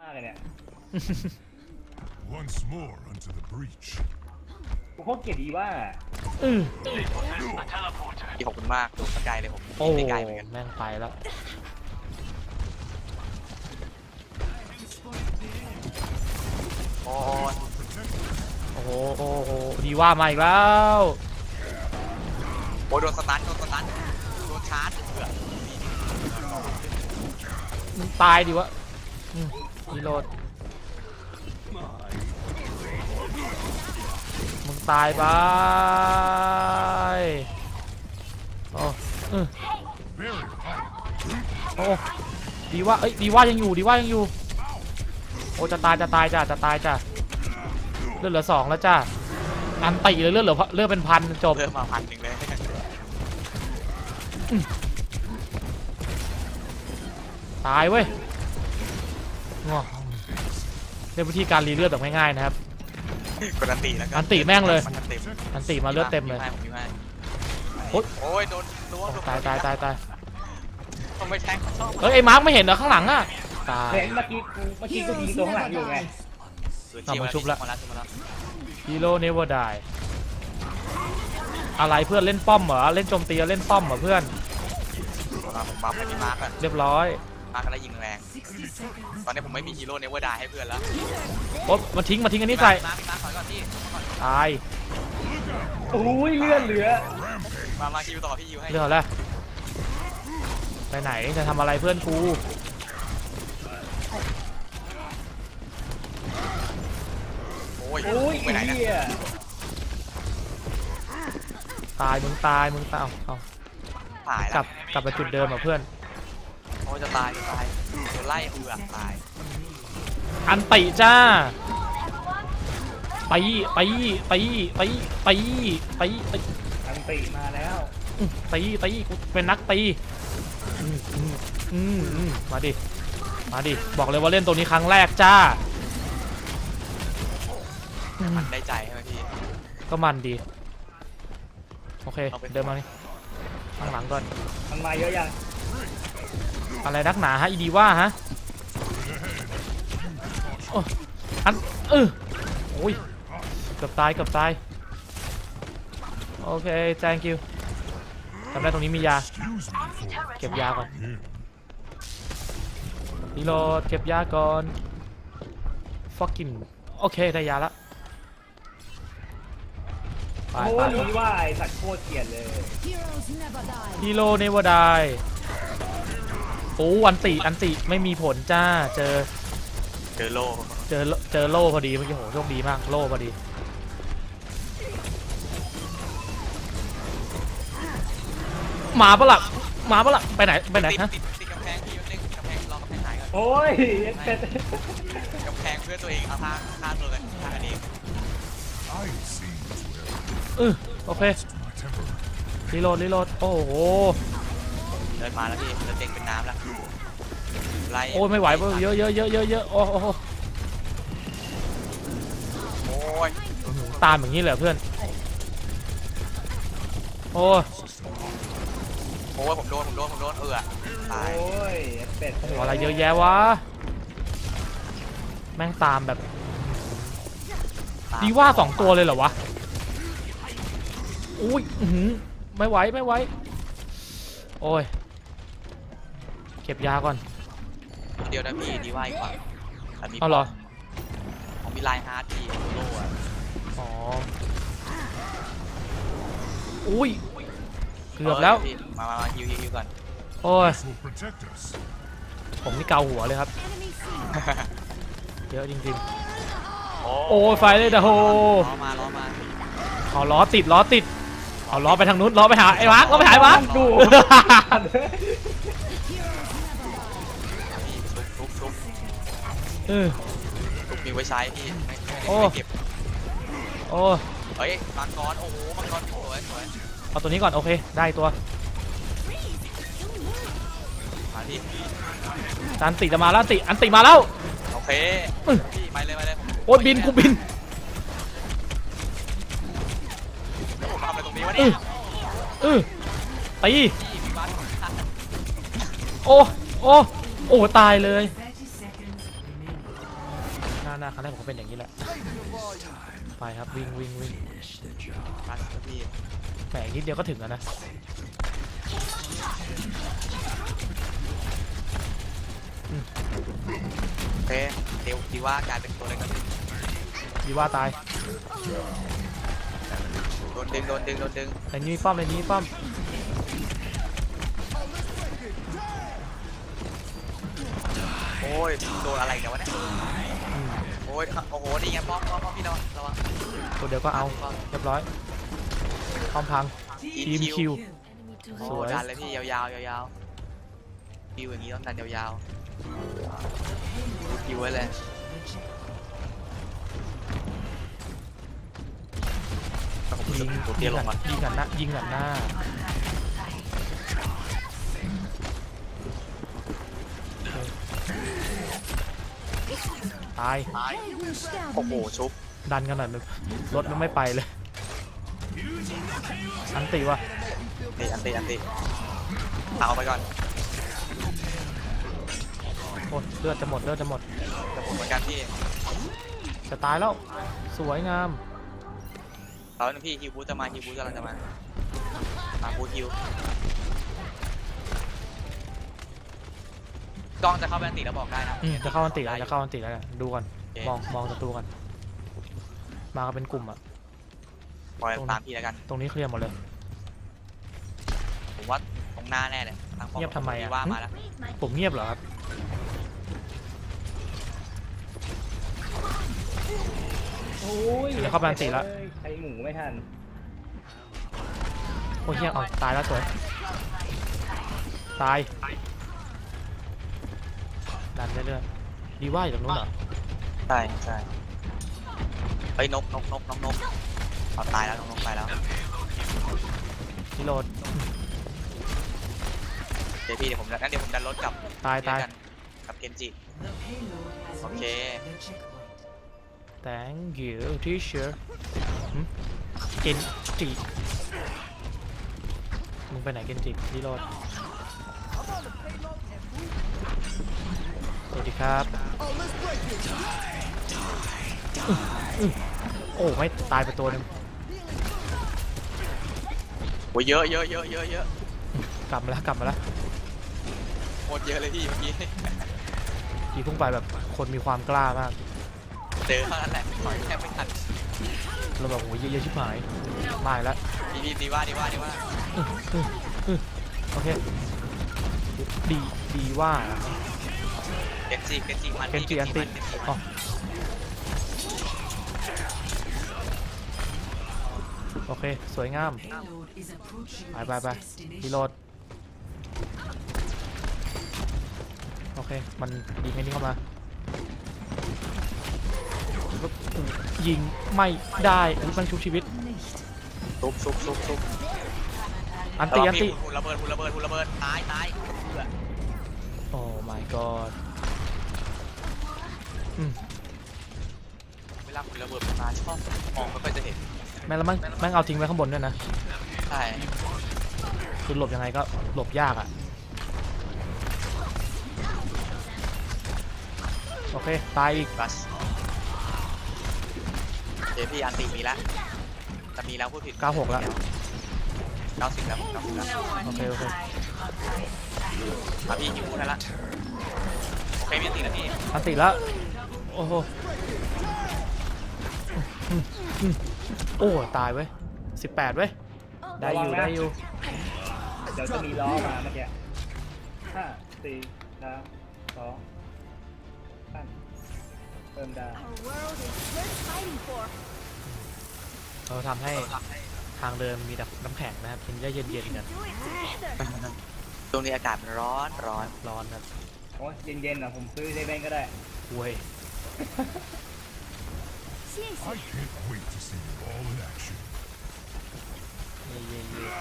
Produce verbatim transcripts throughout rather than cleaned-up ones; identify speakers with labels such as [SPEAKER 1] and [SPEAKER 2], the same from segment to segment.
[SPEAKER 1] ากเลยเนี่ย
[SPEAKER 2] Once more unto the breach.
[SPEAKER 1] กูโคตรเกลียดดีว่า
[SPEAKER 3] อือ
[SPEAKER 4] พี่ขอบคุณมากดูสกายเลยผม
[SPEAKER 3] โอ้
[SPEAKER 4] ไม่ไกลเหมือนกัน
[SPEAKER 3] แม่งไปแล้ว
[SPEAKER 4] โอ้ย
[SPEAKER 3] โอ้โหโอ้โหดีว่ามาอีกแล้ว
[SPEAKER 4] โอ้ยโดนสตันโดนสตันโดนชาร์จเพื่อ
[SPEAKER 3] มึงตายดิวะอืมรีโหลดมึงตายไปโอ้เออ
[SPEAKER 2] Very hot.
[SPEAKER 3] โอ้ดีว่าเอ้ยดีว่ายังอยู่ดีว่ายังอยู่โอ้จะตายจะตายจ้ะจะตายจ้ะเลือดเหลือสองแล้วจ้ะอันติเลยเลือดเหลือเลือดเป็นพันจบ
[SPEAKER 4] เริ่มมาพันหนึ่งเลย
[SPEAKER 3] ตายเว้ยงอเรียกวิธีการรีเลือดแบบง่ายๆนะครับ
[SPEAKER 4] กดอันติแล้วก็
[SPEAKER 3] อันติแม่งเลย
[SPEAKER 4] มันอันติ
[SPEAKER 3] อันติมาเลือดเต็มเลย
[SPEAKER 4] ผมมีให้
[SPEAKER 3] โอ๊ย
[SPEAKER 4] โอ้ยโดนล้วง
[SPEAKER 3] โอ้ตายตายตายตาย
[SPEAKER 4] ต้องไปแทงเขาชอบ
[SPEAKER 3] เอ้ยไอ้มาร์คไม่เห็นเหรอข้างหลังอ่ะตาย
[SPEAKER 1] เห็นเมื่อกี้กูเมื่อกี้กูยิงตัวข้างหลังอยู่ไง
[SPEAKER 3] เอามาชุบละ
[SPEAKER 4] มาแล้วชุบมาแล้ว
[SPEAKER 3] ฮีโร่เนเวอร์ได้อะไรเพื่อนเล่นป้อมเหรอเล่นโจมตีเล่นป้อมเหรอเพื่อน
[SPEAKER 4] มาผมบัฟให้พี่มาร์คก่อน
[SPEAKER 3] เรียบร้อย
[SPEAKER 4] มาร์คก็ได้ยิงแรงตอนนี้ผมไม่มีฮีโร่เนเวอร์ดายให้เพื่อนแล้ว
[SPEAKER 3] โอ๊ยมาทิ้งมาทิ้งอันนี้ใส่
[SPEAKER 4] มาร์คมาร์คถอยก่อนพี่ถอยก่อน
[SPEAKER 3] ตาย
[SPEAKER 1] โอ้ยเลือดเหลือ
[SPEAKER 4] มามาคิวต่อพี่ยิวให้
[SPEAKER 3] เรื่องอะไรไปไหนจะทำอะไรเพื่อนกู
[SPEAKER 4] โอ้ย
[SPEAKER 1] โอ้ย
[SPEAKER 4] ไปไหน
[SPEAKER 1] ไอ้
[SPEAKER 4] นะ
[SPEAKER 1] เหี้ย
[SPEAKER 3] ตายมึงตายมึงตายเอาเอา
[SPEAKER 4] ตาย
[SPEAKER 3] ก
[SPEAKER 4] แล้
[SPEAKER 3] ลั
[SPEAKER 4] ว
[SPEAKER 3] บกลับไปจุดเดิมอ่ะเพื่อน
[SPEAKER 4] โอ้ยจะตายจะตายโดนไล่เอือกตาย
[SPEAKER 3] อันติจ้าไปไปไปไปไปไปไป
[SPEAKER 1] อันติมาแล้ว
[SPEAKER 3] ตีตีกูเป็นนักตีอืมอืมอืมอืมมาดิมาดิบอกเลยว่าเล่นตัวนี้ครั้งแรกจ้าอืม
[SPEAKER 4] มันได้ใจใช่ไหมพี่
[SPEAKER 3] ก็มันดีโอเค
[SPEAKER 4] เอาไป
[SPEAKER 3] เดินมานี่ข้างหลังก่อน
[SPEAKER 1] มันมาเยอะยัง
[SPEAKER 3] อะไรนักหนาฮะอีดีว่าฮะโอ้อันเออโอ้ยเกือบตายเกือบตายโอเค thank you จำได้ตรงนี้มียา
[SPEAKER 2] Excuse me for
[SPEAKER 3] เก็บยาก่อน
[SPEAKER 2] here.
[SPEAKER 3] รีโหลดเก็บยาก่อน fucking โอเคได้ยาละไป
[SPEAKER 1] โอ้
[SPEAKER 3] ไป
[SPEAKER 1] ยดีว่าไอ้สัตว์โคตรเกลียดเลย
[SPEAKER 5] Heroes never die.
[SPEAKER 3] ฮีโร่เนวอร์ได้โอ้อันติอันติไม่มีผลจ้าเจอ
[SPEAKER 4] เจอโล่
[SPEAKER 3] เจอเจอโล่พอดีเมื่อกี้โหโชคดีมากโล่พอดีหมาปะล่ะหมาปะล่ะไปไหนไปไหน
[SPEAKER 4] ติด
[SPEAKER 3] ฮะ
[SPEAKER 4] ติดติดกำแพงพี่ยศเล่นกำแพงรอกำแพงหายก่อน
[SPEAKER 1] โอ้ยเป็ด
[SPEAKER 4] กำแพงเพื่อตัวเองเอาท่าท่าตัวกันท่าอันนี้
[SPEAKER 2] I seem to have
[SPEAKER 3] เออโอเค
[SPEAKER 2] lost my temper.
[SPEAKER 3] รีโหลดรีโหลดโอ้โห
[SPEAKER 4] เดินมาแล้วพี่เดินเต็งเป็นน้ำแล้วไล่
[SPEAKER 3] โอ้ยไม่ไหวเว้ยเยอะเยอะเยอะเยอะเยอะโอ้โห
[SPEAKER 4] โอ้ย
[SPEAKER 3] ตามอย่างนี้เลยเพื่อนโอ้ย
[SPEAKER 4] โอ้ยผมโดนผมโดนผมโดนเอือตาย
[SPEAKER 1] โอ้ยเป็ด
[SPEAKER 3] โอ้โหอะไรเยอะแยะวะแม่งตามแบบ
[SPEAKER 4] ตม
[SPEAKER 3] ดีว่าสองตัวเลยเหรอวะอุ้ยอื้อหือไม่ไหวไม่ไหวโอ้ยเก็บยาก่อน
[SPEAKER 4] เดียวนะพี่ดีว่าอีกกว่าแต่มี
[SPEAKER 3] เอาเหรอ
[SPEAKER 4] ผมมีลายฮาร์ดพี่โล่อะ
[SPEAKER 3] อ๋ออุ้ยเกือบแล้ว
[SPEAKER 4] พี่มามามาฮิวฮิวฮิวก่อน
[SPEAKER 3] โอ้ย
[SPEAKER 2] This will protect us.
[SPEAKER 3] ผมนี่เกาหัวเลยครับ
[SPEAKER 5] Enemy seen.
[SPEAKER 3] เยอะจริง
[SPEAKER 4] โอ้
[SPEAKER 3] ๆโอ้ยไฟเลยเดอะโฮ
[SPEAKER 4] ล้อมาล้อมา
[SPEAKER 3] เอาล้อติดล้อติดเอาล้อไปทางนู้นล้อไปหาไอ้วักล้อไปหาไอ้วัก
[SPEAKER 1] ดู
[SPEAKER 4] พี่ทุบทุบทุบ
[SPEAKER 3] เออ
[SPEAKER 4] ทุบมีไว้ใช้พี่ไม่ไม่
[SPEAKER 3] โอ้
[SPEAKER 4] ไม่เก็บ
[SPEAKER 3] โอ้ย
[SPEAKER 4] เฮ้ยมังกรโอ้โหมังกรสวยสวย
[SPEAKER 3] เอาตัวนี้ก่อนโอเคได้ตัว
[SPEAKER 4] มาพี่
[SPEAKER 3] อันติจะมาแล้วอันติอันติมาแล้ว
[SPEAKER 4] โอเค
[SPEAKER 3] อื้อ
[SPEAKER 4] พี่ไปเลยไปเลยผม
[SPEAKER 3] โอ้ยบินกูบิน
[SPEAKER 4] แล้วผมทำอะไรตรงนี้วะ
[SPEAKER 3] เอ
[SPEAKER 4] เนี่ย
[SPEAKER 3] อเออตี
[SPEAKER 4] พี่พี่บ้านของท่าน
[SPEAKER 3] โอ้โอ้โอ้ตายเลยน้าหน้าครั้งแรกผมก็เป็นอย่างนี้แหละไปครับวิ่งวิ่งวิ่ง
[SPEAKER 4] รัสพี่
[SPEAKER 3] แหมอีกนิดเดียวก็ถึงแล้วนะอืม
[SPEAKER 4] โอเคเดี๋ยวดีว่ากลายเป็นตัวเล็กแล้ว
[SPEAKER 3] ดีว่าตาย
[SPEAKER 4] โดนดึงโดนดึงโดนดึง
[SPEAKER 3] ในนี้มีป้อมในนี้มีป้อม
[SPEAKER 4] โอ้ยโดนอะไรกันวะเนี่ย
[SPEAKER 3] อืม
[SPEAKER 4] โอ้ยโอ้โหนี่ไงป้อมป้อมป้อมพี่นอนระวัง
[SPEAKER 3] ตัวเดียวก็เอาเรียบร้อยป้อมพังทีมคิว
[SPEAKER 4] โอ้
[SPEAKER 3] สวย
[SPEAKER 4] ดันเลยพี่ยาวๆยาวๆคิวอย่างนี้ต้องดันยาวๆคิวไว้เลย
[SPEAKER 3] ยิง
[SPEAKER 4] ตัวเตี้ยลงมา
[SPEAKER 3] ยิงกันหน้ายิงกันหน้าตาย
[SPEAKER 4] โอ้โหชุบ
[SPEAKER 3] ดันกันหน่อยมันรถมันไม่ไปเลยอันตีวะ
[SPEAKER 4] ตีอันตีอันตีเอาไปก่อน
[SPEAKER 3] โอ้ยเลือดจะหมดเลือดจะหมด
[SPEAKER 4] จะหมดเหมือนกันพี่
[SPEAKER 3] จะตายแล้วสวยงาม
[SPEAKER 4] เราหนึ่งพี่ฮิวบูจะมาฮิวบูกำลังจะมามาบูฮิวกล้องจะเข้าแบนตีแล้วบอกได้นะ
[SPEAKER 3] อืมจะเข้าอันติแล้วจะเข้าอันติแล้วเนี่ยดูก่อน
[SPEAKER 4] โอเค
[SPEAKER 3] มองมองศัตรูก่อนมากันเป็นกลุ่มอะ
[SPEAKER 4] ปล่อยตามพี่แล้วกัน
[SPEAKER 3] ตรงนี้เคลียร์หมดเลย
[SPEAKER 4] ผมว่าตรงหน้าแน่เลยทางป้อ
[SPEAKER 3] เงียบทำไมอะ
[SPEAKER 4] ว่ามาแล้ว
[SPEAKER 3] ผมเงียบเหรอครับ
[SPEAKER 1] โอ้ย
[SPEAKER 3] เดี๋ยวเข้าไปอันติละ
[SPEAKER 1] ใช้หมูไม่ทัน
[SPEAKER 3] โอ้ยเฮียเอาตายแล้วสวยตายดันเรื่อยๆดีว่าอยู่ตรงนู้นเหรอ
[SPEAKER 4] ใช่ใช่เฮ้ยนกนกนกนกนกเอาตายแล้วนกนกไปแล้ว
[SPEAKER 3] นิโรธ
[SPEAKER 4] เดี๋ยวพี่เดี๋ยวผมงั้นเดี๋ยวผมดันรถกลับ
[SPEAKER 3] ตายตาย
[SPEAKER 4] กันกับเกนจิโอเค
[SPEAKER 3] thank you teacher หึเกนจิมึงไปไหนเกนจินิโรธสวัสดีครับอื้อโอ้ไม่ตายไปตัวหนึง
[SPEAKER 4] โอ้ยเยอะเยอะเยอะเยอะเยอะ
[SPEAKER 3] กลับมาแล้วกลับมาแล้ว
[SPEAKER 4] โคตรเยอะเลยพี่เมื่อกี้
[SPEAKER 3] ทีพุ่งไปแบบคนมีความกล้ามาก
[SPEAKER 4] เจอเท่านั้นแหละถอยแทบไม่ทัน
[SPEAKER 3] เราแบบโอ้ยเยอะๆชิบหายมาอีกแล้ว
[SPEAKER 4] ดีดีดีว่าดีว่าดีว่า
[SPEAKER 3] อื้ออื้ออื้อโอเคดีดีว่า
[SPEAKER 4] เกนจิเกนจิมัน
[SPEAKER 3] เกนจิอันติ
[SPEAKER 4] เกนจิ
[SPEAKER 3] อ๋อโอเคสวยงามไปไปไปรีโหลดโอเคมันยิงไอ้นี่เข้ามายิงไม่ได้อุ๊ยมันชุบชีวิต
[SPEAKER 4] ซุบซุบซุบซุบ
[SPEAKER 3] อันตีอันตี
[SPEAKER 4] หุ่นระเบิดหุ่นระเบิดหุ่นระเบิดตายตายเบื่อ
[SPEAKER 3] โอ้ my god อืม
[SPEAKER 4] เวลาหุ่นระเบิดมันมาชอบมองไม่ค่อยจะเห็น
[SPEAKER 3] แม่งแล้วแม่งแม่งเอาทิ้งไว้ข้างบนด้วยนะ
[SPEAKER 4] ใช่
[SPEAKER 3] คือหลบยังไงก็หลบยากอ่ะ โอเค ตายอีก
[SPEAKER 4] บัสเดี๋ยวพี่อันติมีแล้วแต่มีแล้วพูดผิด
[SPEAKER 3] เก้าหกแล้ว
[SPEAKER 4] เก้าสิบแล้วเก้าสิบแล้ว
[SPEAKER 3] โอเค โอเค
[SPEAKER 4] มาพี่ฮิวได้ละโอเคมีอันติแล้วพี่
[SPEAKER 3] อันติแล้ว โอ้โหอืมอืมโอ้ ตายเว้ยสิบแปดเว้ย ได้อยู่ ได้อยู่
[SPEAKER 1] เดี๋ยวจะมีล้อมาเมื่อกี้ห้าสี่สามสองตั้งเติมดาว
[SPEAKER 5] Our world is worth fighting for.
[SPEAKER 3] เราทำให้ทางเดินมีแต่น้ำแข็งนะครับกินได้เย็นๆกัน
[SPEAKER 5] Do it together.
[SPEAKER 4] ตรงนี้อากาศมันร้อนร้อน
[SPEAKER 3] ร้อนครับ
[SPEAKER 1] โอ้ยเย็นๆนะผมซื้อเซเว่นก็ได้
[SPEAKER 3] เว้ย
[SPEAKER 2] I can't wait to see you all in action.
[SPEAKER 3] เย่เย่เย่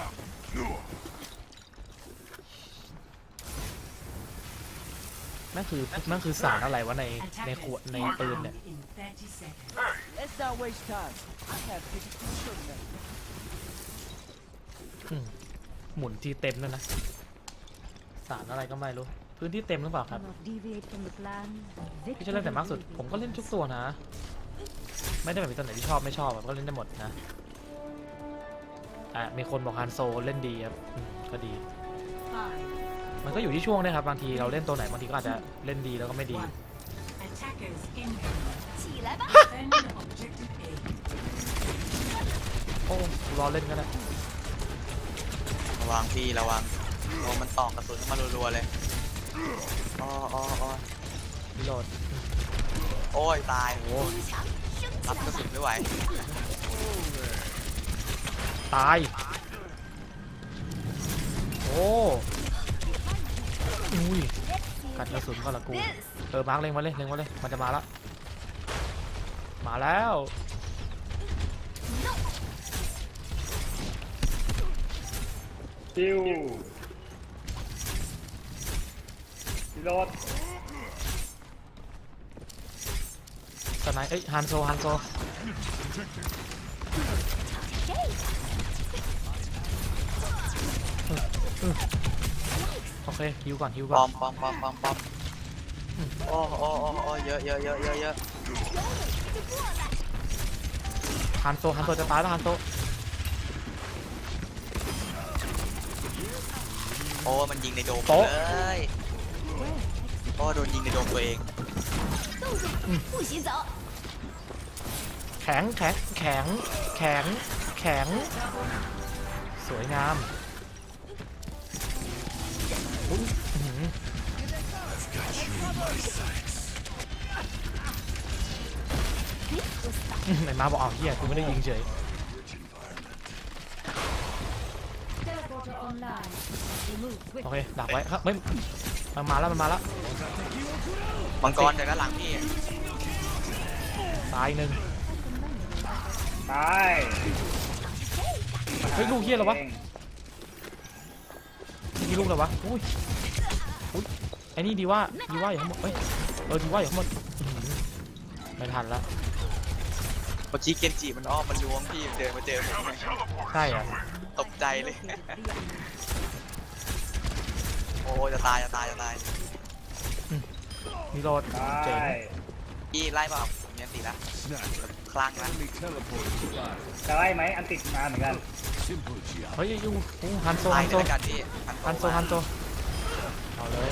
[SPEAKER 3] นั่นคือนั่นคือสารอะไรวะในในขวดในปืนเนี่ย
[SPEAKER 6] Let's not waste time. I have tickets to the tournament.
[SPEAKER 3] อืมหมุนทีเต็มแล้วยนะ สารอะไรก็ไม่รู้พื้นที่เต็มหรือเปล่าครับ
[SPEAKER 5] Cannot deviate from the plan.
[SPEAKER 3] พี่จะเล่นแต่มากสุดผมก็เล่นทุกตัวนะ ไม่ได้แบบมีตัวไหนที่ชอบไม่ชอบแบบก็เล่นได้หมดนะอ่ะมีคนบอกฮันโซเล่นดีครับอืมก็ดี
[SPEAKER 5] Five,
[SPEAKER 3] มันก็อยู่ที่ช่วงด้วยครับบางทีเราเล่นตัวไหนบางทีก็อาจจะเล่นดีแล้วก็ไม่ดี
[SPEAKER 7] Attackers incoming.
[SPEAKER 5] 起来吧。
[SPEAKER 7] Defend objective A.
[SPEAKER 3] โอ้รอเล่นก็ได้
[SPEAKER 4] ระวังพี่ระวังโอ้มันตอกกระสุนเข้ามารัวๆเลยอ๋ออ๋ออ๋อ
[SPEAKER 3] รีโหลด
[SPEAKER 4] โอ้ยตาย
[SPEAKER 3] โอ้
[SPEAKER 4] รับกระสุนไม่ไหว
[SPEAKER 3] ตายโอ้อุ้ยกัดกระสุนก็ละกูเออมาร์กเล็งมาเลยเล็งมาเลยมันจะมาแล้วมาแล้ว
[SPEAKER 1] คิวรีโหลด
[SPEAKER 3] สไนเอ้ยฮันโซฮันโซโอเคฮิวก่อนฮิว
[SPEAKER 4] ป
[SPEAKER 3] ก่
[SPEAKER 4] อ
[SPEAKER 3] อน
[SPEAKER 4] มปอมปอมปอมปอมโอ้โอ้โอ้โอ้เยอะเยอะเยอะเยอะเยอะ
[SPEAKER 3] ฮันโซฮันโซจะตายแล้วฮันโซ
[SPEAKER 4] โอ้มันยิงในโดมเลยโอ้โดนยิงในโดมตัวเอง
[SPEAKER 5] 不许走。
[SPEAKER 3] แข็งแข็งแข็งแข็งแข็งสวยงามอุ๊ยอื้อหือไหนมาบอกเอาเฮียกูไม่ได้ยิงเฉย
[SPEAKER 5] Teleporter online. Remove
[SPEAKER 3] โอ
[SPEAKER 5] quick.
[SPEAKER 3] เคดักไว้ครับไม่มันมาแล้วมันมาแล้ว
[SPEAKER 4] มังกรจากด้านหลังพี่
[SPEAKER 3] ตายหนึ่ง
[SPEAKER 1] ตาย
[SPEAKER 3] เฮ้ยลูกเฮียเหรอวะนี่ลูกเหรอวะอุ้ยอุ้ยไอ้นี่ดีว่าดีว่าอย่าทั้งหมดเอ้ยเออดีว่าอย่าทั้งหมดอื้อหือไม่ทันละ
[SPEAKER 4] เมื่อกี้เกนจิมันอ้อมมันล้วงพี่เดินมาเจอผม
[SPEAKER 3] ใช่อ่ะ
[SPEAKER 4] ตกใจเลย โอ้จะตายจะตายจะตาย
[SPEAKER 3] มีโรด
[SPEAKER 1] ตา
[SPEAKER 3] เจ๋ง
[SPEAKER 1] ย
[SPEAKER 4] พี่ไล่เปล่าผมยังตีละ
[SPEAKER 2] Snap.
[SPEAKER 4] คลั่งละ
[SPEAKER 2] Enemy teleported to life.
[SPEAKER 1] จะไล่ไหมอันติดมาเหมือนกัน
[SPEAKER 2] Simple job.
[SPEAKER 3] เฮ้ยยูโอ้ฮันโซ
[SPEAKER 4] ตา
[SPEAKER 3] ฮั
[SPEAKER 4] ย
[SPEAKER 3] นโซ
[SPEAKER 4] ด้วยกันพี่
[SPEAKER 3] ฮันโซฮันโซเอาเลย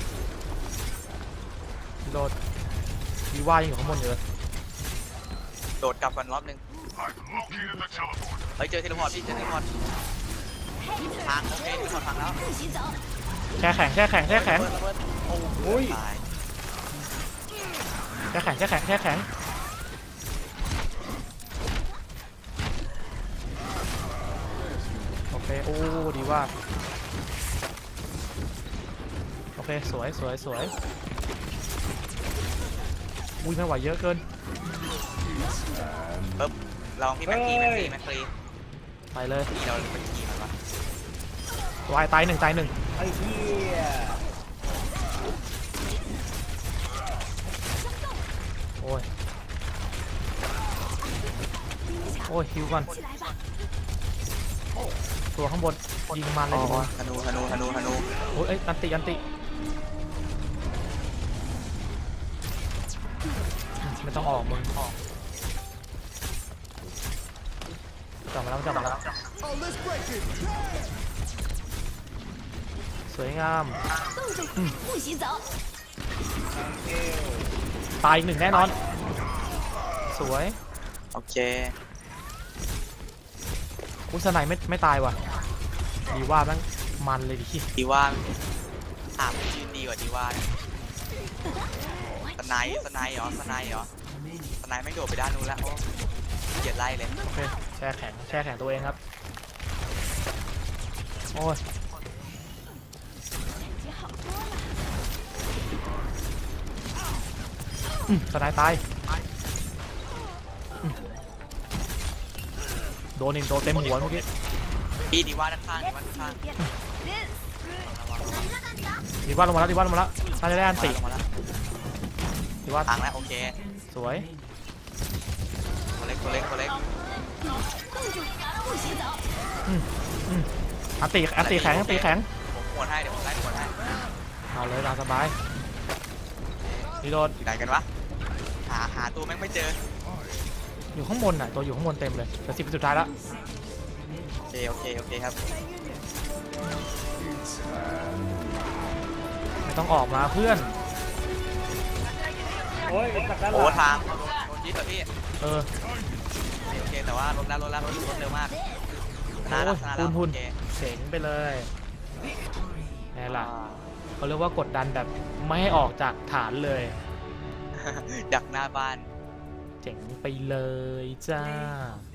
[SPEAKER 3] มีโรดดีว่ายังอยู่ข้างบนอยู่เลย
[SPEAKER 4] โดดกลับกันรอบนึงเฮ้ยเจอเทเลพอร์ตพี่เจอเทเลพอร์ตทางโอเคเทเลพอร์ตทางแล้ว
[SPEAKER 5] 不许走。
[SPEAKER 3] แช่แข็งแช่แข็งแช่แข็ง
[SPEAKER 4] ระเบิดระเบิดโอ้
[SPEAKER 1] อุ้ย
[SPEAKER 4] ตาย
[SPEAKER 3] แช่แข็งแช่แข็งแช่แข็งโอเคโอ้ดีว่าโอเคสวยสวยสวยอุ้ยไม่ไหวเยอะเกิน
[SPEAKER 4] ปึ๊บลองพี่แม็กกี้แม็กกี้แม็กกี้
[SPEAKER 3] ไปเลย
[SPEAKER 4] พี่เราแม็กกี้มันวะ
[SPEAKER 3] วายตายหนึ่งตายหนึ่ง
[SPEAKER 1] ไอ้เหี้ย
[SPEAKER 3] โอ้ยโอ้ยฮิวก่อน
[SPEAKER 5] 起来吧。
[SPEAKER 3] ตัวข้างบนยิงมันเลย
[SPEAKER 4] โอ้
[SPEAKER 3] ดีกว่า
[SPEAKER 4] ธนูธนูธนูธนู
[SPEAKER 3] โอ้ยเอ้ยอันติอันติไม่ต้องออกมึงออกจับมาแล้วจับมาแล้ว
[SPEAKER 2] Oh, let's break it.
[SPEAKER 3] สวยงาม
[SPEAKER 5] 动手，不许走。
[SPEAKER 1] เกล
[SPEAKER 3] ตายอีกหนึ่งแน่นอน สวย
[SPEAKER 4] โอเค
[SPEAKER 3] อุยสไนไม่ไม่ตายว่ะดีว่าแม่งมันเลยดิ
[SPEAKER 4] ดีว่าถามชื่อดีกว่าดีว่าสไนด์สไนด์เหรอสไนด์เหรอสไนด์ไม่โดดไปด้านนู้นแล้วโอ้เกลียดไล่เลย
[SPEAKER 3] โอเคแช่แข็งแช่แข็งตัวเองครับโอ้ย
[SPEAKER 5] 感觉好多了。
[SPEAKER 3] อืมสไนตายอืมโดนอีกโดนเต็มหัวเมื่อกี้
[SPEAKER 4] พี่ดีว่าด้านข้างดีว่าด้านข้าง
[SPEAKER 3] ดีว่าลงมาแล้วดีว่าลงมาแล้วน่าจะได้อันติ
[SPEAKER 4] ลงมาแล้ว
[SPEAKER 3] ดีว่า
[SPEAKER 4] ทางแล้วโอเค
[SPEAKER 3] สวย
[SPEAKER 4] ตัวเล็กตัวเล็กตัวเล็ก
[SPEAKER 5] 动住，不许走。
[SPEAKER 3] อืมอืมอันติอันติแข็งอันติแข็ง
[SPEAKER 4] ผมหวดให้เดี๋ยวผมไล่หวดให้
[SPEAKER 3] เอาเลยตามสบายรีโหลด
[SPEAKER 4] อยู่ไหนกันวะหาหาตัวแม่งไม่เจอ
[SPEAKER 3] อยู่ข้างบนน่ะตัวอยู่ข้างบนเต็มเลยแต่สิบสุดท้ายแล้ว
[SPEAKER 4] โอเคโอเคโอเคครับ
[SPEAKER 3] ไม่ต้องออกมาเพื่อน
[SPEAKER 1] โอ้ยจากด้านห
[SPEAKER 4] โอ้
[SPEAKER 1] ลัง
[SPEAKER 4] ทางโดนยึดเหรอพี่
[SPEAKER 3] เออ
[SPEAKER 4] โอเคแต่ว่ารถแล้วรถแล้วรถรถเร็วมากชนะ
[SPEAKER 3] โอ้
[SPEAKER 4] แล้ว
[SPEAKER 3] ย
[SPEAKER 4] ชนะแล้ว
[SPEAKER 3] หุ่น
[SPEAKER 4] โอเค
[SPEAKER 3] ๆเจ๋งไปเลยไงล่ะเขาเรียกว่ากดดันแบบไม่ให้ออกจากฐานเลย
[SPEAKER 4] ดักหน้าบ้าน
[SPEAKER 3] เจ๋งไปเลยจ้า